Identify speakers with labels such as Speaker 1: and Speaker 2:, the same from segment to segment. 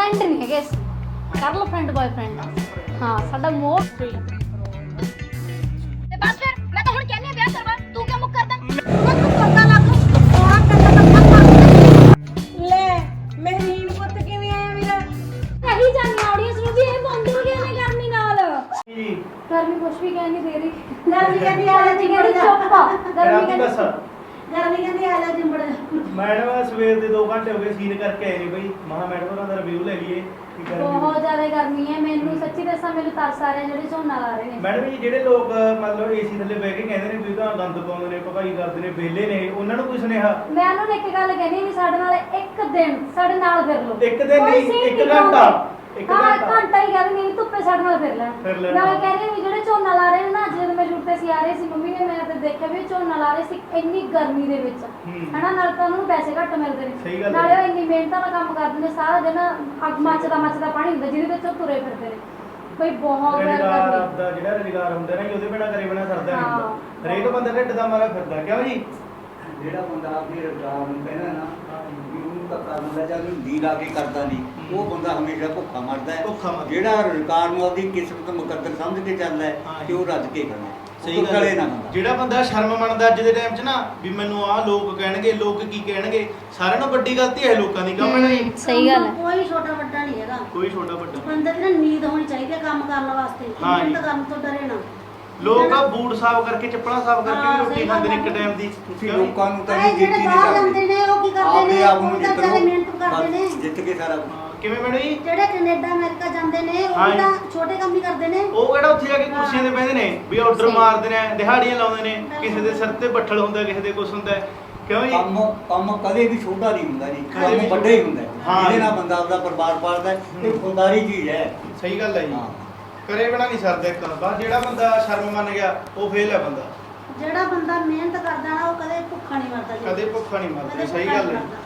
Speaker 1: Friend नहीं है कैसे कर लो फ्रेंड बॉयफ्रेंड हाँ साडा मोह
Speaker 2: ਤੇ ਬਸ ਫਿਰ ਮੈਂ ਤਾਂ ਹੁਣ ਕਹਿੰਨੀ ਆ ਵਿਆਹ ਕਰਵਾ ਤੂੰ ਕਿਉਂ ਮੁੱਕ ਕਰਦਾ ਉਹ ਤੂੰ ਕਰਦਾ ਲੱਗ ਸੋਹਣਾ ਕੰਨਾ ਤਾਂ ਖਾ
Speaker 3: ਲੈ ਮਹਿਰੀਨ ਪੁੱਤ ਕਿਵੇਂ ਆਇਆ ਮੇਰਾ
Speaker 1: यही जाननी ऑडियंस ਨੂੰ ਵੀ ਇਹ ਬੰਦ ਹੋ ਗਿਆ ਨੇ ਗਰਮੀ ਨਾਲ
Speaker 4: ਜੀ
Speaker 1: ਗਰਮੀ ਕੁਛ ਵੀ ਕਹਿ ਨਹੀਂ ਦੇ ਰਹੀ
Speaker 3: ਗਰਮੀ ਕਹਿੰਦੀ ਆ ਜਾ
Speaker 1: ਜਿਹੜੀ ਚੁੱਪ ਆ ਗਰਮੀ
Speaker 4: ਰਾਤੀ
Speaker 1: ਕਹਿੰਦੀ
Speaker 4: ਬਸ
Speaker 3: ਗਰਮੀ ਕਹਿੰਦੀ ਆ ਜਾ ਜਿੰਬੜ
Speaker 4: ਮੈਡਮ ਸਵੇਰ ਦੇ 2 ਘੰਟੇ ਹੋ ਗਏ ਸੀਨ ਕਰਕੇ ਆਏ ਨਹੀਂ ਬਈ ਮਹਾ ਮੈਡਮ ਉਹਨਾਂ ਦਾ ਰਿਵਿਊ ਲੈ ਲਈਏ ਕੀ ਕਰਨੀ
Speaker 1: ਬਹੁਤ ਜ਼ਿਆਦਾ ਗਰਮੀ ਹੈ ਮੈਨੂੰ ਸੱਚੀ ਦੱਸਾਂ ਮੈਨੂੰ ਤਰਸ ਆ ਰਿਹਾ ਜਿਹੜੇ ਝੋਨਾ ਲਾ ਰਹੇ ਨੇ
Speaker 4: ਮੈਡਮ ਜੀ ਜਿਹੜੇ ਲੋਕ ਮਤਲਬ ਏਸੀ ਥੱਲੇ ਬਹਿ ਕੇ ਕਹਿੰਦੇ ਨੇ ਵੀ ਤਾਂ ਗੰਦ ਪਾਉਂਦੇ ਨੇ ਭਗਾਈ ਕਰਦੇ ਨੇ ਵਿਹਲੇ ਨੇ ਉਹਨਾਂ ਨੂੰ ਕੋਈ ਸੁਨੇਹਾ
Speaker 1: ਮੈਂ ਉਹਨਾਂ ਨੂੰ ਇੱਕ ਗੱਲ ਕਹਿਣੀ ਵੀ ਸਾਡੇ ਨਾਲ ਇੱਕ ਦਿਨ ਸਾਡੇ ਨਾਲ ਫਿਰ ਲਓ
Speaker 4: ਇੱਕ ਦਿਨ
Speaker 1: ਕੋਈ
Speaker 4: ਨਹੀਂ,
Speaker 1: scene
Speaker 4: ਇੱਕ
Speaker 1: ਨਹੀਂ
Speaker 4: ਘੰਟਾ।
Speaker 1: ਬਣਾਉਂਦੇ।
Speaker 4: ਇੱਕ
Speaker 1: ਹਾਂ
Speaker 4: ਘੰਟਾ।
Speaker 1: ਘੰਟਾ ਹੀ ਕਹਿੰਦੇ ਨਹੀਂ ਧੁੱਪੇ ਸਾਡੇ ਨਾਲ ਫਿਰ ਲੈਣ
Speaker 4: ਫਿਰ ਲੈਣ,
Speaker 1: ਮੈਂ
Speaker 4: ਹਾਂ।
Speaker 1: ਕਹਿੰਦੀ ਵੀ ਜਿਹੜੇ ਝੋਨਾ ਲਾ ਰਹੇ ਨੇ ਨਾ ਜਦੋਂ ਮੈਂ ਸ਼ੂਟ ਤੇ ਸੀ ਆ ਰਹੇ ਸੀ ਮੰਮੀ ਨੇ ਮੈਂ ਤੇ ਦੇਖਿਆ ਵੀ ਝੋਨਾ ਲਾ ਰਹੇ ਸੀ ਇੰਨੀ ਗਰਮੀ ਦੇ ਵਿੱਚ ਹਨਾ ਨਾਲ ਤਾਂ ਉਹਨਾਂ ਨੂੰ ਪੈਸੇ ਘੱਟ ਮਿਲਦੇ
Speaker 4: ਸਹੀ
Speaker 1: ਨੇ
Speaker 4: ਗੱਲ ਹੈ।
Speaker 1: ਨਾਲੇ ਉਹ ਇੰਨੀ ਮਿਹਨਤਾਂ ਨਾਲ ਕੰਮ ਕਰਦੇ ਨੇ ਸਾਰਾ ਦਿਨ ਅੱਗ ਮੱਚਦਾ ਪਾਣੀ ਹੁੰਦਾ ਜਿਹਦੇ ਵਿੱਚ ਉਹ ਤੁਰੇ ਫਿਰਦੇ ਨੇ ਬਈ ਬਹੁਤ
Speaker 4: ਰੁਜ਼ਗਾਰ
Speaker 1: ਗਰਮੀ
Speaker 4: ਆਪਦਾ ਜਿਹੜਾ ਰੁਜ਼ਗਾਰ ਹੁੰਦਾ ਨਾ ਜੀ, ਉਹਦੇ ਬਿਨਾ ਕਰੇ ਬਿਨਾ ਸਰਦਾ ਨਹੀਂ
Speaker 1: ਹਾਂ।
Speaker 4: ਹੁੰਦਾ ਹਰੇਕ ਬੰਦਾ ਢਿੱਡ ਦਾ ਮਾਰਾ ਫਿਰਦਾ ਕਿਉਂ ਜੀ
Speaker 5: ਜਿਹੜਾ ਬੰਦਾ ਆਪਣੇ ਰੁਜ਼ਗਾਰ ਨੂੰ ਕਹਿੰਦਾ ਨਾ ਵੀ ਉਹਨੂੰ ਤਾਂ ਕਰ ਦਿੰਦਾ ਜਾਂ ਉਹਨੂੰ ਦੀ ਲਾ ਕੇ ਕਰਦਾ ਨਹੀਂ ਉਹ ਬੰਦਾ ਹਮੇਸ਼ਾ ਭੁੱਖਾ ਮਰਦਾ ਹੈ
Speaker 4: ਭੁੱਖਾ ਮਰਦਾ।
Speaker 5: ਜਿਹੜਾ ਰੁਜ਼ਗਾਰ ਨੂੰ ਆਪਣੀ ਕਿਸਮਤ ਮੁਕੱਦਰ ਸਮਝ ਕੇ ਚੱਲਦਾ ਹੈ
Speaker 4: ਹਾਂ
Speaker 5: ਤੇ ਉਹ ਰੱਜ ਕੇ ਕਰਦਾ
Speaker 4: ਸਹੀ
Speaker 5: ਉਹ
Speaker 4: ਗੱਲ
Speaker 5: ਗਲੇ
Speaker 4: ਹੈ।
Speaker 5: ਨਾ ਹੁੰਦਾ
Speaker 4: ਜਿਹੜਾ ਬੰਦਾ ਸ਼ਰਮ ਮੰਨਦਾ ਅੱਜ ਦੇ ਟਾਈਮ 'ਚ ਨਾ ਵੀ ਮੈਨੂੰ ਆਹ ਲੋਕ ਕਹਿਣਗੇ ਲੋਕ ਕੀ ਕਹਿਣਗੇ ਸਾਰਿਆਂ ਨੂੰ ਵੱਡੀ ਗਲਤੀ ਹੈ ਲੋਕਾਂ ਦੀ ਕਿਉਂ ਮੈਡਮ ਜੀ
Speaker 1: ਸਹੀ ਗੱਲ ਹੈ
Speaker 3: ਕੋਈ ਛੋਟਾ ਵੱਡਾ ਨਹੀਂ ਹੈਗਾ
Speaker 4: ਕੋਈ ਛੋਟਾ ਵੱਡਾ
Speaker 3: ਬੰਦੇ ਦੀ ਨਾ ਨੀਂਦ ਹੋਣੀ ਚਾਹੀਦੀ ਹੈ ਕੰਮ ਕਰਨ ਵਾਸਤੇ
Speaker 4: ਹਾਂ ਜੀ।
Speaker 3: ਮਿਹਨਤ ਕਰਨ ਤੋਂ ਡਰੇ ਨਾ
Speaker 4: ਲੋਕ ਆ ਬੂਟ ਸਾਫ਼ ਕਰਕੇ ਚੱਪਲਾਂ ਸਾਫ਼ ਕਰਕੇ
Speaker 3: ਹਾਂ,
Speaker 4: ਵੀ ਰੋਟੀ
Speaker 3: ਸਹੀ
Speaker 4: ਖਾਂਦੇ ਨੇ
Speaker 3: ਗੱਲ
Speaker 4: ਇੱਕ
Speaker 3: ਹੈ।
Speaker 4: ਟਾਈਮ ਦੀ
Speaker 5: ਤੁਸੀਂ
Speaker 4: ਕਿਉਂ ਜੀ?
Speaker 5: ਲੋਕਾਂ ਨੂੰ ਤਾਂ
Speaker 3: ਆਏ
Speaker 5: ਨਹੀਂ
Speaker 3: ਜਿਹੜੇ
Speaker 5: ਜਿੱਤੀ
Speaker 3: ਬਾਹਰ
Speaker 5: ਨਹੀਂ
Speaker 3: ਜਾਂਦੇ ਨੇ ਉਹ ਕੀ ਕਰਦੇ
Speaker 5: ਆਪਦੇ
Speaker 3: ਨੇ
Speaker 5: ਆਪ ਨੂੰ
Speaker 3: ਉਹ ਤਾਂ
Speaker 5: ਜਿੱਤ
Speaker 3: ਵਿਚਾਰੇ
Speaker 5: ਲਓ
Speaker 3: ਮਿਹਨਤ ਕਰਦੇ ਨੇ
Speaker 5: ਬਸ ਜਿੱਤ ਕੇ ਸਾਰਾ ਕੁਝ।
Speaker 4: ਹਾਂ, ਕਿਵੇਂ ਮੈਡਮ ਜੀ
Speaker 3: ਜਿਹੜੇ ਕੈਨੇਡਾ ਅਮਰੀਕਾ ਜਾਂਦੇ ਨੇ ਉਹ
Speaker 4: ਹਾਂ
Speaker 3: ਵੀ
Speaker 4: ਜੀ।
Speaker 3: ਤਾਂ ਛੋਟੇ ਕੰਮ ਹੀ ਕਰਦੇ ਨੇ
Speaker 4: ਉਹ ਕਿਹੜਾ ਉੱਥੇ ਜਾ ਕੇ ਕੁਰਸੀਆਂ ਤੇ ਬਹਿੰਦੇ ਨੇ ਵੀ ਆਰਡਰ
Speaker 1: ਸਹੀ।
Speaker 4: ਮਾਰਦੇ ਨੇ ਦਿਹਾੜੀਆਂ ਲਾਉਂਦੇ ਨੇ ਕਿਸੇ ਦੇ ਸਿਰ ਤੇ ਬੱਠਲ ਹੁੰਦਾ ਕਿਸੇ ਦੇ ਕੁਛ ਹੁੰਦਾ ਕਿਉਂ ਜੀ
Speaker 5: ਕੰਮ ਕਦੇ ਵੀ ਛੋਟਾ ਨਹੀਂ ਹੁੰਦਾ ਜੀ
Speaker 4: ਕਦੇ ਵੀ
Speaker 5: ਕੰਮ ਵੱਡਾ ਹੀ ਹੁੰਦਾ ਹੈ।
Speaker 4: ਹਾਂ।
Speaker 5: ਜਿਹਦੇ ਨਾਲ ਬੰਦਾ ਆਪਦਾ ਪਰਿਵਾਰ ਪਾਲਦਾ ਹੈ, ਇਹ ਖੁਦਾਰੀ ਚੀਜ਼ ਹੈ
Speaker 4: ਸਹੀ ਗੱਲ ਹੈ ਜੀ
Speaker 5: ਹਾਂ।
Speaker 4: ਕਰੇ ਬਿਨਾ ਨਹੀਂ ਸਰਦਾ ਇੱਕ ਬਸ ਜਿਹੜਾ ਬੰਦਾ ਸ਼ਰਮ ਮੰਨ ਗਿਆ ਉਹ ਫੇਲ ਹੈ ਬੰਦਾ
Speaker 3: ਜਿਹੜਾ ਬੰਦਾ ਮਿਹਨਤ ਕਰਦਾ ਨਾ ਉਹ ਕਦੇ ਭੁੱਖਾ ਨਹੀਂ ਮਰਦਾ ਜੀ।
Speaker 4: ਕਦੇ ਭੁੱਖਾ ਨਹੀਂ ਮਰਦਾ
Speaker 3: ਕਦੇ
Speaker 4: ਸਹੀ
Speaker 3: ਭੁੱਖਾ
Speaker 4: ਗੱਲ
Speaker 3: ਨਹੀਂ
Speaker 4: ਹੈ
Speaker 3: ਮਰਦਾ।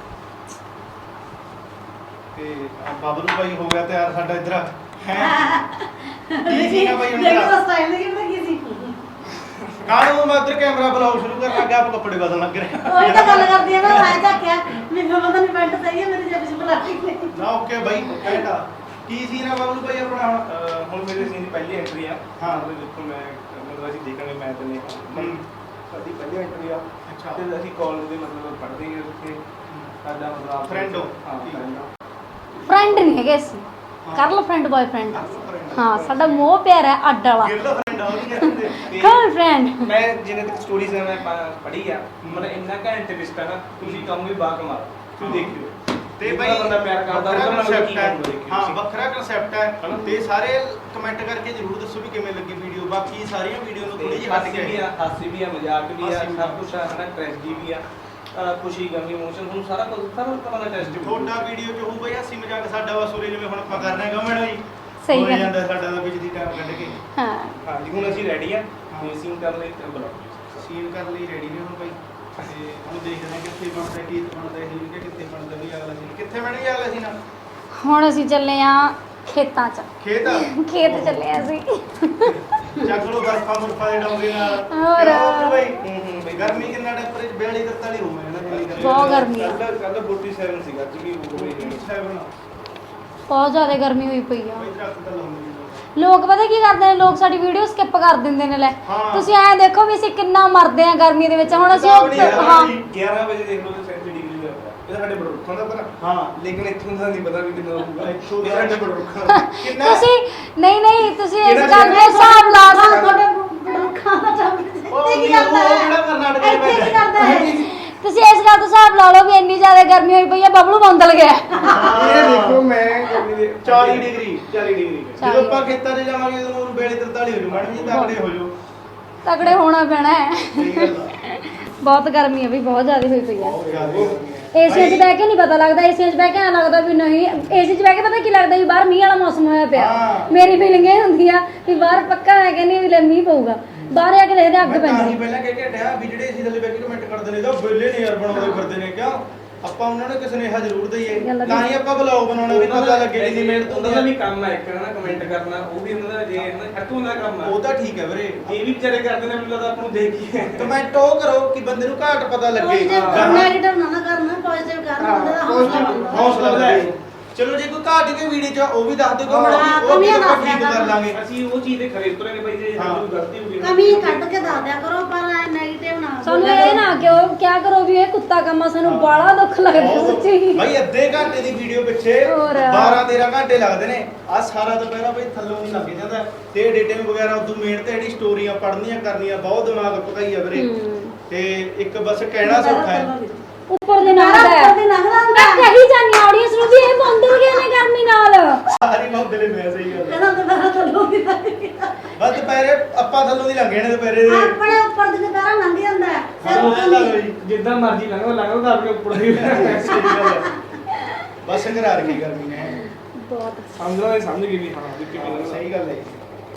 Speaker 4: ਤੇ ਬਾਬਰੂ ਭਾਈ ਹੋ ਗਿਆ ਤਿਆਰ ਸਾਡਾ ਇੱਧਰ ਹੈ ਕੀ ਸੀਗਾ ਭਾਈ ਹੁਣ
Speaker 3: ਦੇਖੋ
Speaker 4: ਤੇਰਾ?
Speaker 3: ਸਟਾਈਲ ਨਹੀਂ ਕਿੰਨਾ ਕੀ ਸੀ
Speaker 4: ਕਾਹਨੂੰ ਮੈਂ ਇੱਧਰ ਕੈਮਰਾ ਬੁਲਾਉ ਸ਼ੁਰੂ ਕਰਨ ਲੱਗਾ ਆਪ ਕੱਪੜੇ ਬਦਲਣ ਲੱਗ ਰਿਹਾ
Speaker 3: ਉਹੀ ਤਾਂ ਗੱਲ ਕਰਦੀ ਆ ਮੈਂ ਝਾਕਿਆ ਮੈਨੂੰ ਪਤਾ ਨਹੀਂ ਪੈਂਟ ਸਹੀ ਹੈ ਮੇਰੀ ਜੇਬ 'ਚ ਬੁਲਾਤੀ
Speaker 4: ਨਾ ਓਕੇ ਬਾਈ ਕਹਿਤਾ ਕੀ ਸੀ ਨਾ ਬਾਬਰੂ ਭਾਈ ਆਪਣਾ
Speaker 6: ਹੁਣ ਮੇਰੇ ਸੀਨ ਦੀ ਪਹਿਲੀ ਐਂਟਰੀ ਆ
Speaker 4: ਹਾਂ।
Speaker 6: ਉਹਦੇ ਦੇਖੋ ਮੈਂ ਮਤਲਬ ਅਸੀਂ ਦੇਖਾਂਗੇ ਮੈਂ ਤੇ ਨੇ ਸਾਡੀ ਪਹਿਲੀ ਐਂਟਰੀ ਆ
Speaker 4: ਅੱਛਾ।
Speaker 6: ਤੇ ਅਸੀਂ ਕਾਲਜ ਦੇ ਮਤਲਬ ਪੜ੍ਹਦੇ ਹਾਂ ਉੱਥੇ ਸਾਡਾ ਮਤਲਬ
Speaker 4: Friend ਹੋ?
Speaker 6: ਹਾਂ
Speaker 4: ਠੀਕ।
Speaker 6: friend ਹੋ।
Speaker 1: फ्रेंड नहीं है कैसे कर लो फ्रेंड बॉयफ्रेंड हाँ साडा मोह प्यार है अड्ड वाला
Speaker 4: गर्लफ्रेंड हो गया ਤੇ
Speaker 1: गर्लफ्रेंड
Speaker 6: ਮੈਂ ਜਿੰਨੇ ਤੱਕ ਸਟੋਰੀਜ਼ ਮੈਂ ਪੜ੍ਹੀ ਆ ਮਤਲਬ ਇੰਨਾ ਘੈਂਟ ਟਵਿਸਟ ਆ ਨਾ ਤੁਸੀਂ ਕਹੋਗੇ ਬਾ ਕਮਾਲ ਤੁਸੀਂ ਦੇਖਿਓ
Speaker 4: ਤੇ
Speaker 6: ਜਿਹੜਾ
Speaker 4: ਬਈ
Speaker 6: ਬੰਦਾ ਪਿਆਰ ਕਰਦਾ ਉਹਦਾ ਨਾਲ
Speaker 4: concept
Speaker 6: ਕੀ
Speaker 4: ਹੈ।
Speaker 6: ਕਰਦਾ ਦੇਖਿਓ
Speaker 4: ਹਾਂ
Speaker 6: ਤੁਸੀਂ।
Speaker 4: ਵੱਖਰਾ ਕਨਸੈਪਟ ਹੈ
Speaker 6: ਹਨਾ?
Speaker 4: ਤੇ ਸਾਰੇ ਕਮੈਂਟ ਕਰਕੇ ਜਰੂਰ ਦੱਸੋ ਵੀ ਕਿਵੇਂ ਲੱਗੀ ਵੀਡੀਓ ਬਾਕੀ ਸਾਰੀਆਂ ਵੀਡੀਓ ਨੂੰ ਥੋੜੀ
Speaker 6: ਤੇ
Speaker 4: ਜਿਹੀ ਹੱਟ
Speaker 6: ਹਾਸੀ
Speaker 4: ਕੇ
Speaker 6: ਵੀ ਆ ਹਾਸੀ ਵੀ ਆ ਮਜ਼ਾਕ ਵੀ ਆ
Speaker 4: ਹਾਸੀ ਵੀ ਆ।
Speaker 6: ਸਭ ਕੁਝ ਆ ਹਨਾ ਟ੍ਰੈਜਡੀ ਵੀ ਆ ਖੁਸ਼ੀ ਗਮੀ ਇਮੋਸ਼ਨ ਹੁਣ ਸਾਰਾ ਕੁਝ ਸਾਰਾ ਤਰ੍ਹਾਂ ਦਾ ਟੈਸਟ
Speaker 4: ਤੁਹਾਡਾ ਵੀਡੀਓ ਚ ਹੋਊ ਬਈ ਹਾਸੀ ਮਜ਼ਾਕ ਸਾਡਾ ਵਾ ਸੂਰੇ ਜਿਵੇਂ ਹੁਣ ਆਪਾਂ ਕਰ ਰਹੇ ਹਾਂ ਗਮਣ ਜੀ
Speaker 1: ਸਹੀ
Speaker 4: ਹੋ
Speaker 1: ਗੱਲ।
Speaker 4: ਜਾਂਦਾ ਸਾਡਾ ਦਾ ਵਿੱਚ ਦੀ ਟਾਈਮ ਕੱਢ ਕੇ
Speaker 1: हाँ
Speaker 6: ਹਾਂਜੀ ਹੁਣ ਅਸੀਂ ਰੈਡੀ ਆ ਤੇ ਸੀਨ ਕਰਨ ਲਈ ਤੇ ਬੁਲਾਓ
Speaker 4: ਸੀਨ ਕਰਨ ਲਈ ਰੈਡੀ ਨੇ ਹੁਣ ਬਈ ਤੇ ਹੁਣ ਦੇਖਦੇ ਹਾਂ ਕਿੱਥੇ ਬਣਦਾ ਕੀ ਬਣਦਾ ਸੀਨ ਕਿ ਕਿੱਥੇ ਬਣਦਾ ਵੀ ਅਗਲਾ ਸੀਨ ਕਿੱਥੇ ਬਣੇਗਾ ਅਗਲਾ ਸੀਨ
Speaker 1: ਹੁਣ ਅਸੀਂ ਚੱਲੇ ਆ ਖੇਤਾਂ 'ਚ
Speaker 4: ਖੇਤ
Speaker 1: ਖੇਤ ਚੱਲੇ ਆ ਅਸੀਂ
Speaker 4: ਚੱਕ ਲੋ ਬਰਫਾਂ ਬਰਫਾਂ ਦੇ ਡੋਂਗੇ ਨਾਲ
Speaker 1: ਹੋਰ।
Speaker 4: ਕਿਉਂ ਬਈ ਬਈ ਗਰਮੀ ਕਿੰਨਾ ਟੈਂਪਰੇਚਰ 42 43 ਹੋਵੇ ਨਾ ਦਿੱਲੀ ਦਾ
Speaker 1: ਬਹੁਤ ਗਰਮੀ ਆ
Speaker 6: ਕੱਲ 47 ਸੀਗਾ ਅੱਜ ਵੀ ਹੋ ਗਈ
Speaker 1: ਬਹੁਤ ਜ਼ਿਆਦਾ ਗਰਮੀ ਹੋਈ ਪਈ ਆ
Speaker 4: ਬਈ ਦਰਖਤ ਤਾਂ ਲਾਉਂਦੇ ਨਹੀਂ
Speaker 1: ਲੋਕ ਪਤਾ ਕੀ ਕਰਦੇ ਨੇ ਲੋਕ ਸਾਡੀ ਵੀਡੀਓ ਸਕਿਪ ਕਰ ਦਿੰਦੇ ਨੇ ਲੈ
Speaker 4: ਹਾਂ।
Speaker 1: ਤੁਸੀਂ ਐਂ ਦੇਖੋ ਵੀ ਅਸੀਂ ਕਿੰਨਾ ਮਰਦੇ ਆ ਗਰਮੀ ਦੇ ਵਿੱਚ ਹੁਣ ਅਸੀਂ
Speaker 4: ਹਿਸਾਬ ਨਹੀਂ ਹੈਗਾ
Speaker 1: ਹਾਂ
Speaker 6: 11 ਵਜੇ ਦੇਖ ਲਓ 37 ਡਿਗਰੀ ਹੋਇਆ ਇਹ ਸਾਡੇ ਬੜੋਖਾਂ ਦਾ ਪਰ
Speaker 4: ਹਾਂ
Speaker 6: ਲੇਕਿਨ ਇੱਥੋਂ ਦਾ ਨਹੀਂ ਪਤਾ ਵੀ ਕਿੰਨਾ ਹੋਊਗਾ
Speaker 4: ਇੱਥੋਂ ਦਾ-
Speaker 6: ਇਹ ਸਾਡੇ ਬੜੋਖਾਂ
Speaker 4: ਕਿੰਨਾ
Speaker 1: ਤੁਸੀਂ ਨਹੀਂ ਤੁਸੀਂ ਇਸ
Speaker 6: ਕਿਹੜਾ
Speaker 1: ਗੱਲ ਦਾ ਹਿਸਾਬ ਲਾ ਸਕਦੇ
Speaker 3: ਤੁਹਾਡੇ ਬੜੂਖਾਂ ਦਾ ਚੱਲ
Speaker 4: ਉਹ
Speaker 3: ਇੱਥੇ ਕੀ
Speaker 4: ਨਹੀਂ,
Speaker 3: ਕਰਦਾ
Speaker 4: ਉਹ
Speaker 3: ਹੈ
Speaker 4: ਕਿਹੜਾ ਕਰਨਾਟਕ ਦੇ
Speaker 3: ਇੱਥੇ ਕੀ
Speaker 4: ਵਿੱਚ
Speaker 3: ਕਰਦਾ ਹੈ
Speaker 1: ਤੁਸੀਂ ਇਸ ਗੱਲ ਦਾ ਹਿਸਾਬ ਲਾ ਲਓ ਵੀ ਇੰਨੀ ਜ਼ਿਆਦਾ ਗਰਮੀ ਹੋਈ ਪਈ ਆ ਬਬਲੂ ਬੰਦਲ ਗਿਆ
Speaker 6: ਇਹ ਦੇਖੋ ਮੈਂ ਗਰਮੀ ਦੇ
Speaker 4: 40 ਡਿਗਰੀ
Speaker 6: 40 ਡਿਗਰੀ
Speaker 4: ਜਦੋਂ ਆਪਾਂ ਖੇਤਾਂ 'ਚ ਜਾਵਾਂਗੇ ਉਦੋਂ ਉਹਨੂੰ 42 43 ਹੋ ਜੂ ਮੈਡਮ ਜੀ ਤਕੜੇ ਹੋ ਜੂ
Speaker 1: ਤਗੜੇ ਹੋਣਾ ਪੈਣਾ ਹੈ
Speaker 4: ਸਹੀ ਗੱਲ ਆ
Speaker 1: ਬਹੁਤ ਗਰਮੀ ਆ ਵੀ ਬਹੁਤ ਜ਼ਿਆਦਾ ਹੋਈ ਪਈ ਆ
Speaker 4: ਬਹੁਤ ਜ਼ਿਆਦਾ ਗਰਮੀ ਹੈ।
Speaker 1: ਏਸੀਆਂ 'ਚ ਬਹਿ ਕੇ ਨਹੀਂ ਪਤਾ ਲੱਗਦਾ ਏਸੀਆਂ 'ਚ ਬਹਿ ਕੇ ਐਂ ਲੱਗਦਾ ਵੀ ਨਹੀਂ ਏਸੀ 'ਚ ਬਹਿ ਕੇ ਪਤਾ ਕੀ ਲੱਗਦਾ ਵੀ ਬਾਹਰ ਮੀਂਹ ਵਾਲਾ ਮੌਸਮ ਹੋਇਆ ਪਿਆ
Speaker 4: ਹਾਂ।
Speaker 1: ਮੇਰੀ ਫੀਲਿੰਗ ਇਹ ਹੁੰਦੀ ਆ ਵੀ ਬਾਹਰ ਪੱਕਾ ਹੈ ਕਿ ਨਹੀਂ ਵੀ ਲੈ ਮੀਂਹ ਪਊਗਾ ਬਾਹਰ ਆ ਕੇ ਦੇਖਦੇ ਅੱਗ
Speaker 4: ਮੈਂ ਤਾਂ ਹੀ
Speaker 1: ਪੈਂਦੀ
Speaker 4: ਪਹਿਲਾਂ ਕਹਿ ਕੇ ਹਟਿਆ ਵੀ ਜਿਹੜੇ ਅਸੀਂ ਥੱਲੇ ਬੈ ਕੇ ਕਮੈਂਟ ਕਰਦੇ ਨੇ ਤਾਂ ਵਿਹਲੇ ਨੇ ਯਾਰ ਬਣਾਉਂਦੇ ਫਿਰਦੇ ਨੇ ਕਿਉਂ ਆਪਾਂ ਉਹਨਾਂ ਨੂੰ ਕਿਸੇ ਸੁਨੇਹਾ ਜ਼ਰੂਰ ਦਈਏ
Speaker 1: ਗੱਲ ਆ।
Speaker 4: ਤਾਂ ਹੀ ਆਪਾਂ ਬਲੌਗ ਬਣਾਉਣਾ ਵੀ ਪਤਾ ਲੱਗੇ
Speaker 6: ਜਿੰਨੀ
Speaker 4: ਜਿੰਨੀ ਮਿਹਨਤ
Speaker 6: ਉਹਨਾਂ
Speaker 4: ਹੁੰਦੀ
Speaker 6: ਦਾ
Speaker 4: ਆ
Speaker 6: ਵੀ ਕੰਮ ਹੈ ਇੱਕ ਨਾ ਕਮੈਂਟ ਕਰਨਾ ਉਹ ਵੀ ਉਹਨਾਂ ਦਾ ਜੇ ਹੈ ਨਾ ਹੱਥੋਂ ਦਾ ਕੰਮ ਹੈ
Speaker 4: ਉਹ ਤਾਂ ਠੀਕ ਹੈ ਵੀਰੇ
Speaker 6: ਇਹ ਵੀ ਵਿਚਾਰੇ ਕਰਦੇ ਨੇ ਮੈਨੂੰ ਲੱਗਦਾ ਆਪਾਂ ਨੂੰ ਦੇਖੀਏ
Speaker 4: ਕਮੈਂਟ ਉਹ ਕਰੋ ਕਿ ਬੰਦੇ ਨੂੰ ਘਾਟ ਪਤਾ ਲੱਗੇ
Speaker 3: ਪੋਜ਼ਿਟਿਵ
Speaker 4: ਹਾਂ।
Speaker 3: ਨੈਗੇਟਿਵ ਨਾ ਕਰਨਾ ਪੋਜ਼ਿਟਿਵ ਕਰਨਾ ਬੰਦੇ ਦਾ ਹੌਸਲਾ ਬਣਦਾ
Speaker 4: ਹੌਸਲਾ ਵਧਾਏ ਚਲੋ ਜੇ ਕੋਈ ਘਾਟ ਕੇ ਵੀਡੀਓ ਚ ਉਹ ਵੀ ਦੱਸ ਦਿਓ
Speaker 3: ਹਾਂ,
Speaker 4: ਉਹ
Speaker 3: ਕਮੀਆਂ
Speaker 4: ਆਪਾਂ
Speaker 3: ਦੱਸ
Speaker 4: ਠੀਕ
Speaker 3: ਦਿਆ
Speaker 4: ਕਰ ਲਾਂਗੇ।
Speaker 6: ਅਸੀਂ ਉਹ ਚੀਜ਼ ਦੇ ਖਰੇ ਉਤਰਾਂਗੇ ਬਈ ਜੇ
Speaker 4: ਹਾਂ।
Speaker 6: ਸਾਨੂੰ ਗਲਤੀ ਹੋ ਗਈ ਨਾ।
Speaker 3: ਕਮੀ ਕੱਢ ਕੇ ਦੱਸ ਦਿਆ ਕਰੋ ਪਰ ਨੈਗੇਟਿਵ ਨਾ
Speaker 1: ਸਾਨੂੰ
Speaker 3: ਬੋਲਿਆ
Speaker 1: ਇਹ
Speaker 3: ਕਰੋ।
Speaker 1: ਨਾ ਕਿਉਂ ਕਿਆ ਕਰੋ ਵੀ ਇਹ ਕੁੱਤਾ ਕੰਮ ਆ, ਸਾਨੂੰ ਬਾਲਾ ਦੁੱਖ ਲੱਗਦਾ ਸੱਚੀ।
Speaker 4: ਭਾਈ ਅੱਧੇ ਘੰਟੇ ਦੀ ਵੀਡੀਓ ਪਿੱਛੇ
Speaker 1: ਹੋਰ।
Speaker 4: 12-13 ਘੰਟੇ ਲੱਗਦੇ ਨੇ। ਆ ਸਾਰਾ ਦੁਪਹਿਰਾ ਭਾਈ ਥੱਲੋਂ ਨਹੀਂ ਲੱਗ ਜਾਂਦਾ ਤੇ ਐਡੀਟਿੰਗ ਵਗੈਰਾ ਉਦੋਂ ਮੇਨ ਤੇ ਜਿਹੜੀ ਸਟੋਰੀਆਂ ਪੜ੍ਹਨੀਆਂ ਕਰਨੀਆਂ ਬਹੁਤ ਦਿਮਾਗ ਭਕਾਈ ਆ ਵੀਰੇ। ਤੇ ਇੱਕ ਬਸ ਕਹਿਣਾ ਸੌਖਾ ਹੈ।
Speaker 1: ਉੱਪਰ ਦੇ ਨਾਲ ਹੈ
Speaker 3: ਉੱਪਰ ਦੀ ਲੰਘਦਾ ਹੁੰਦਾ।
Speaker 1: ਮੈਂ ਕਹੀ ਜਾਨੀ ਆਡੀਅנס ਨੂੰ ਵੀ ਇਹ ਬੰਦਲ ਗਏ ਨੇ ਗਰਮੀ ਨਾਲ।
Speaker 4: ਸਾਰੀ ਮੌਦਲੇ ਮੈਂ ਸਹੀ ਗੱਲ ਹੈ।
Speaker 3: ਇਹਦਾ ਦੁਬਾਰਾ ਥੱਲੋਂ ਦੀ ਲੰਘ ਗਿਆ।
Speaker 4: ਬਸ ਦੁਪਹਿਰੇ ਆਪਾਂ ਥੱਲੋਂ ਦੀ ਲੰਘੇ ਨੇ ਦੁਪਹਿਰੇ ਦੇ।
Speaker 3: ਆਪਣੇ ਉੱਪਰ ਦੀ ਦੁਬਾਰਾ ਲੰਘ ਜਾਂਦਾ ਹੈ। ਸਿਰ
Speaker 4: ਹਾਂ,
Speaker 3: ਉੱਤੇ
Speaker 4: ਲੈ
Speaker 3: ਨਹੀਂ।
Speaker 4: ਲਓ ਜੀ।
Speaker 6: ਜਿੱਦਾਂ ਮਰਜ਼ੀ ਲੰਘੋ ਲੰਘੋ ਤਾਂ ਆਪਣੇ ਉੱਪਰ ਦੀ
Speaker 4: ਸਹੀ ਗੱਲ ਹੈ। ਬਸ ਕਰਾ ਰੱਖੀ ਗਰਮੀ ਨੇ।
Speaker 1: ਬਹੁਤ
Speaker 6: ਸਮਝ ਲਓ ਇਹ ਸਮਝ ਗਈ ਵੀ ਹਾਂ ਵੀ ਕਿਵੇਂ ਲੰਘਣਾ।
Speaker 4: ਸਹੀ ਗੱਲ ਹੈ ਜੀ।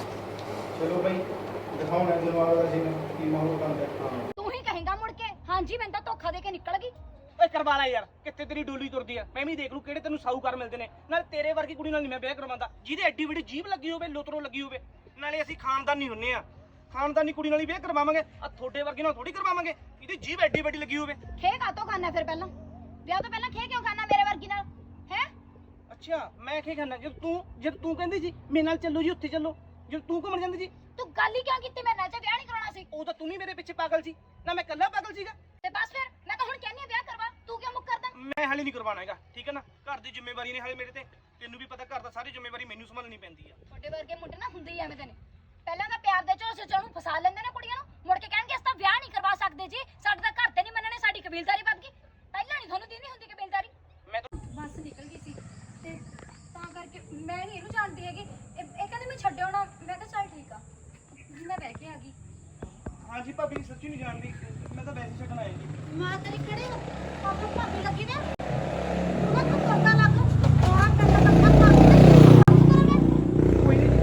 Speaker 4: ਚਲੋ ਭਾਈ ਦਿਖਾਉਣਾ ਦਿਮਾਗ ਦਾ ਸੀ ਕੀ ਮਾਹੌਲ ਬਣਦਾ ਹੈ।
Speaker 2: ਤੂੰ ਹੀ ਕਹੇਂਗਾ ਮੁੜ ਕੇ ਹਾਂਜੀ ਮੈਨੂੰ ਤਾਂ ਧੋਖਾ ਦੇ ਕੇ ਨਿਕਲ ਗਈ।
Speaker 7: ਓਏ ਕਰਵਾ ਲੈ ਯਾਰ, ਕਿੱਥੇ ਤੇਰੀ ਡੋਲੀ ਤੁਰਦੀ ਆ। ਮੈਂ ਵੀ ਦੇਖ ਲੂ ਕਿਹੜੇ ਤੈਨੂੰ ਸਾਊਕਾਰ ਮਿਲਦੇ ਨੇ। ਨਾਲ ਤੇਰੇ ਵਰਗੀ ਕੁੜੀ ਨਾਲ ਨਹੀਂ ਮੈਂ ਵਿਆਹ ਕਰਵਾਉਂਦਾ ਜਿਹਦੇ ਐਡੀ ਵੱਡੀ ਜੀਭ ਲੱਗੀ ਹੋਵੇ, ਲੋਤਰੋ ਲੱਗੀ ਹੋਵੇ। ਨਾਲੇ ਅਸੀਂ ਖਾਨਦਾਨੀ ਹੁੰਨੇ ਆ, ਖਾਨਦਾਨੀ ਕੁੜੀ ਨਾਲ ਹੀ ਵਿਆਹ ਕਰਵਾਵਾਂਗੇ। ਆ ਤੁਹਾਡੇ ਵਰਗੇ ਨਾਲ ਥੋੜੀ ਕਰਵਾਵਾਂਗੇ ਇਹਦੀ ਜੀਭ ਐਡੀ ਵੱਡੀ ਲੱਗੀ ਹੋਵੇ।
Speaker 2: ਖੇ ਕਾਤੋਂ ਖਾਣਾ ਫਿਰ ਪਹਿਲਾਂ ਵਿਆਹ ਤੋਂ ਪਹਿਲਾਂ ਖੇ ਕਿਉਂ ਖਾਣਾ ਮੇਰੇ ਵਰਗੀ ਨਾਲ ਹੈ?
Speaker 7: ਅੱਛਾ ਮੈਂ ਕੀ ਖਾਣਾ? ਜਦ ਤੂੰ ਕਹਿੰਦੀ ਸੀ ਮੇਰੇ ਨਾਲ ਚੱਲੋ ਜੀ, ਉੱਥੇ ਚੱਲੋ, ਜਦ ਤੂੰ ਘੁੰਮਣ ਜਾਂਦੀ ਸੀ
Speaker 2: ਤੂੰ ਗੱਲ ਹੀ ਕਿਉਂ ਕੀਤੀ ਮੇਰੇ ਨਾਲ ਜੇ ਵਿਆਹ ਨਹੀਂ ਕਰਾਉਣਾ ਸੀ?
Speaker 7: ਉਹ ਤਾਂ ਤੂੰ ਵੀ ਮੇਰੇ ਪਿੱਛੇ ਪਾਗਲ ਸੀ ਨਾ, ਮੈਂ ਇਕੱਲਾ ਪਾਗਲ ਸੀਗਾ।
Speaker 2: ਤੇ ਬਸ ਫਿਰ ਮੈਂ ਤਾਂ ਹੁਣ ਕਹਿੰਦੀ ਆ ਵਿਆਹ ਕਰਵਾ, ਤੂੰ ਕਿਉਂ ਮੁੱਕਰਦਾ?
Speaker 7: ਮੈਂ ਹਾਲੇ ਨਹੀਂ ਕਰਵਾਉਣਾ ਹੈਗਾ, ਠੀਕ ਹੈ ਨਾ। ਘਰ ਦੀ ਜ਼ਿੰਮੇਵਾਰੀ ਨੇ ਹਾਲੇ ਮੇਰੇ ਤੇ, ਤੈਨੂੰ ਵੀ ਪਤਾ ਘਰ ਦਾ ਸਾਰੀ ਜ਼ਿੰਮੇਵਾਰੀ ਮੈਨੂੰ ਸੰਭਾਲਣੀ ਪੈਂਦੀ ਆ।
Speaker 2: ਤੁਹਾਡੇ ਵਰਗੇ ਮੁੰਡੇ ਨਾ ਹੁੰਦੇ ਹੀ ਐਵੇਂ ਦੇ ਨੇ। ਪਹਿਲਾਂ ਤਾਂ ਪਿਆਰ ਦੇ ਝੋਸੇ ਚ ਉਹਨੂੰ ਫਸਾ ਲੈਂਦੇ ਨੇ ਕੁੜੀਆਂ ਨੂੰ, ਮੁੜ ਕੇ ਕਹਿਣਗੇ ਅਸੀਂ ਤਾਂ ਵਿਆਹ ਨਹੀਂ ਕਰਵਾ ਸਕਦੇ ਜੀ, ਸਾਡੇ ਤਾਂ ਘਰ ਤੇ ਨਹੀਂ ਮੰਨਣੇ, ਸਾਡੀ ਕਬੀਲਦਾਰੀ ਵੱਧ ਗਈ। ਪਹਿਲਾਂ ਨਹੀਂ ਤੁਹਾਨੂੰ ਦੀਦੀ ਹੁੰਦੀ ਕਬੀਲਦਾਰੀ।
Speaker 7: ਮੈਂ ਤਾਂ
Speaker 2: ਬੱਸ ਨਿਕਲ ਗਈ ਸੀ ਤੇ ਤਾਂ ਕਰਕੇ ਮੈਂ ਨਹੀਂ ਇਹਨੂੰ ਜਾਣਦੀ ਹੈਗੀ। ਇਹ ਕਹਿੰਦੇ ਮੈਂ ਛੱਡਿਓ ਨਾ, ਮੈਂ ਕਿਹਾ ਚੱਲ ਠੀਕ ਆ, ਮੈਂ ਬਹਿ ਕੇ ਆ ਗਈ।
Speaker 7: ਹਾਂਜੀ ਭਾਬੀ ਸੱਚੀ ਨਹੀਂ ਜਾਣਦੀ, ਮੈਂ ਤਾਂ ਵੈਸੇ ਛੱਡਣ ਆਇਆ ਜੀ।
Speaker 3: ਮਾਂ ਤੇਰੀ ਕਿਹੜੀ ਪਾਪਾ ਭਾਬੀ ਲੱਗੀ ਨੇ? ਉਹਨਾਂ ਨੂੰ ਕਰਦਾ ਲੱਗ ਥੋੜਾ ਕੰਨਾ ਲੱਗਾ ਭਾਬੀ ਕਰੋਗੇ।
Speaker 7: ਕੋਈ ਨਹੀਂ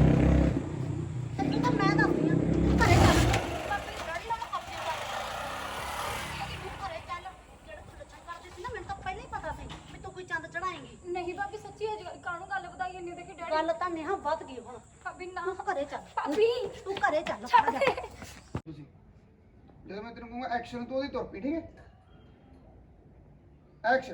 Speaker 3: ਤੂੰ ਤਾਂ ਮੈਂ ਦੱਸਦੀ ਆ ਘਰੇ ਚੱਲ।
Speaker 2: ਪਾਪੇ ਦੀ ਦਾੜੀ ਨਾਲ ਕਾਪੀ ਕਰ
Speaker 3: ਤੂੰ ਘਰੇ ਚੱਲ। ਜਿਹੜਾ ਤੂੰ ਲੱਛਣ ਕਰਦੀ ਸੀ ਨਾ, ਮੈਨੂੰ ਤਾਂ ਪਹਿਲਾਂ ਹੀ ਪਤਾ ਸੀ ਵੀ ਤੂੰ ਕੋਈ ਚੰਦ ਚੜਾਏਂਗੀ।
Speaker 2: ਨਹੀਂ ਭਾਬੀ ਸੱਚੀ ਅੱਜ ਕਾਹਨੂੰ ਗੱਲ ਵਧਾਈ ਇੰਨੀ ਦੇਖੀ ਡੈਡੀ।
Speaker 3: ਗੱਲ ਤਾਂ ਨੇਹਾ ਵੱਧ ਗਈ ਹੁਣ।
Speaker 2: ਭਾਬੀ ਨਾ
Speaker 3: ਤੂੰ ਘਰੇ ਚੱਲ।
Speaker 2: ਭਾਬੀ
Speaker 3: ਤੂੰ ਘਰੇ ਚੱਲ।
Speaker 2: ਛੱਡ ਦੇ।
Speaker 8: ਤੁਸੀਂ ਜਦੋਂ ਮੈਂ ਤੈਨੂੰ ਕਹੂੰਗਾ ਐਕਸ਼ਨ ਤੂੰ ਉਹਦੀ ਤੁਰ ਪਈ, ਠੀਕ ਹੈ? ਐਕਸ਼ਨ।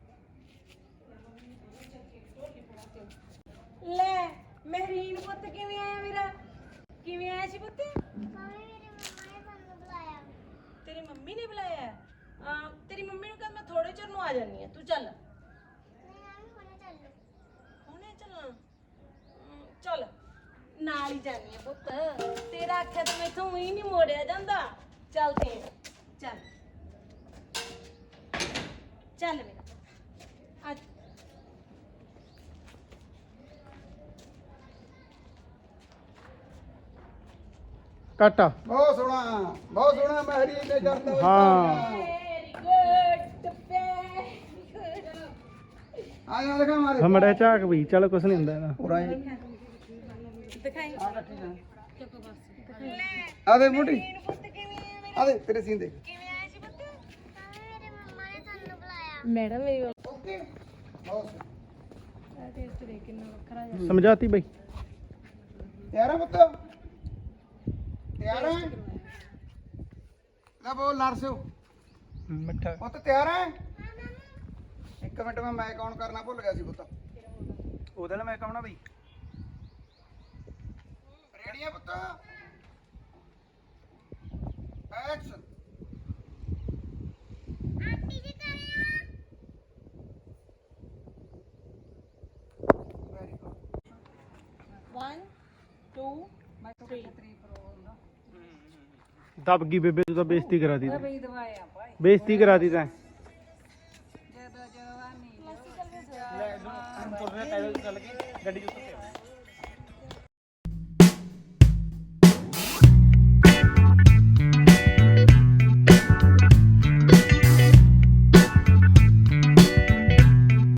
Speaker 3: ਲੈ ਮਹਿਰੀਨ ਪੁੱਤ ਕਿਵੇਂ ਆਇਆ ਮੇਰਾ? ਕਿਵੇਂ ਆਇਆ ਸੀ ਪੁੱਤ? ਤੇਰੀ ਮੰਮੀ ਨੇ ਬੁਲਾਇਆ? ਤੇਰੀ ਮੰਮੀ ਨੂੰ ਕਹਿੰਦਾ ਮੈਂ ਥੋੜੇ ਚਿਰ ਨੂੰ ਆ ਜਾਨੀ ਆ, ਤੂੰ ਚੱਲ। ਹੁਣੇ ਚੱਲਣਾ? ਚੱਲ ਨਾਲ ਹੀ ਜਾਨੀ ਆ ਪੁੱਤ, ਤੇਰਾ ਆਖਿਆ ਤਾਂ ਮੈਥੋਂ ਹੀ ਨਹੀਂ ਮੋੜਿਆ ਜਾਂਦਾ। ਚੱਲ ਤੇ ਚੱਲ ਚੱਲ ਮੇਰਾ ਅੱਜ
Speaker 9: ਕਾਟਾ
Speaker 8: ਬਹੁਤ ਸੋਹਣਾ ਮਹਿਰੀ ਨੇ ਜਾਂਦਾ
Speaker 9: ਹਾਂ।
Speaker 3: Very good very good.
Speaker 8: ਆ ਜਾ ਦਿਖਾ ਮਾਰੇ
Speaker 9: ਹਮੜਾ ਝਾਕ ਵੀ ਚਲ ਕੁਛ ਨਹੀਂ ਹੁੰਦਾ ਇਹਦਾ।
Speaker 8: ਪੂਰਾ ਹੀ
Speaker 3: ਦਿਖਾਈ
Speaker 8: ਆ ਦੇ ਮੋਟੀ ਆ ਦੇ ਤੇਰੇ ਸੀਨ ਦੇ
Speaker 3: ਕਿਵੇਂ ਆਇਆ ਸੀ ਪੁੱਤ? ਮੇਰੇ ਮੰਮਾ ਨੇ ਸਾਨੂੰ ਬੁਲਾਇਆ। ਮੈਡਮ ਮੇਰੀ
Speaker 8: ਓਕੇ ਬਹੁਤ ਸੋਹਣਾ।
Speaker 9: ਸਮਝਾਤੀ ਬਈ।
Speaker 8: ਤਿਆਰ ਹੈ ਪੁੱਤ? ਤਿਆਰ ਹੈ? ਨਾ ਬੋਲ ਨਰਸਿਓ
Speaker 9: ਮਿੱਠਾ
Speaker 8: ਪੁੱਤ ਤਿਆਰ ਹੈ? ਇੱਕ ਮਿੰਟ ਮੈਂ ਮਾਈਕ ਆਨ ਕਰਨਾ ਭੁੱਲ ਗਿਆ ਸੀ ਪੁੱਤ।
Speaker 9: ਉਹਦੇ ਨਾਲ ਮੈਂ ਕਹਣਾ ਬਈ।
Speaker 8: ਰੈਡੀ ਹੈ ਪੁੱਤ? ਐਕਸ਼ਨ।
Speaker 2: ਆਂਟੀ ਜੀ ਕਰਿਆ
Speaker 8: ਵੈਰੀ ਗੁੱਡ।
Speaker 3: 1 2 3
Speaker 9: ਦਬ ਗਈ ਬੇਬੇ, ਤੂੰ ਤਾਂ ਬੇਇੱਜ਼ਤੀ ਕਰਾ ਦੀ। ਬੇਇੱਜ਼ਤੀ ਕਰਾ ਦੀ ਤੈਂ।
Speaker 6: ਲੈ ਇਹਨੂੰ ਤੁਰਨੇ ਪੈਦਲ ਚੱਲ ਕੇ ਗੱਡੀ ਚ ਉੱਤੇ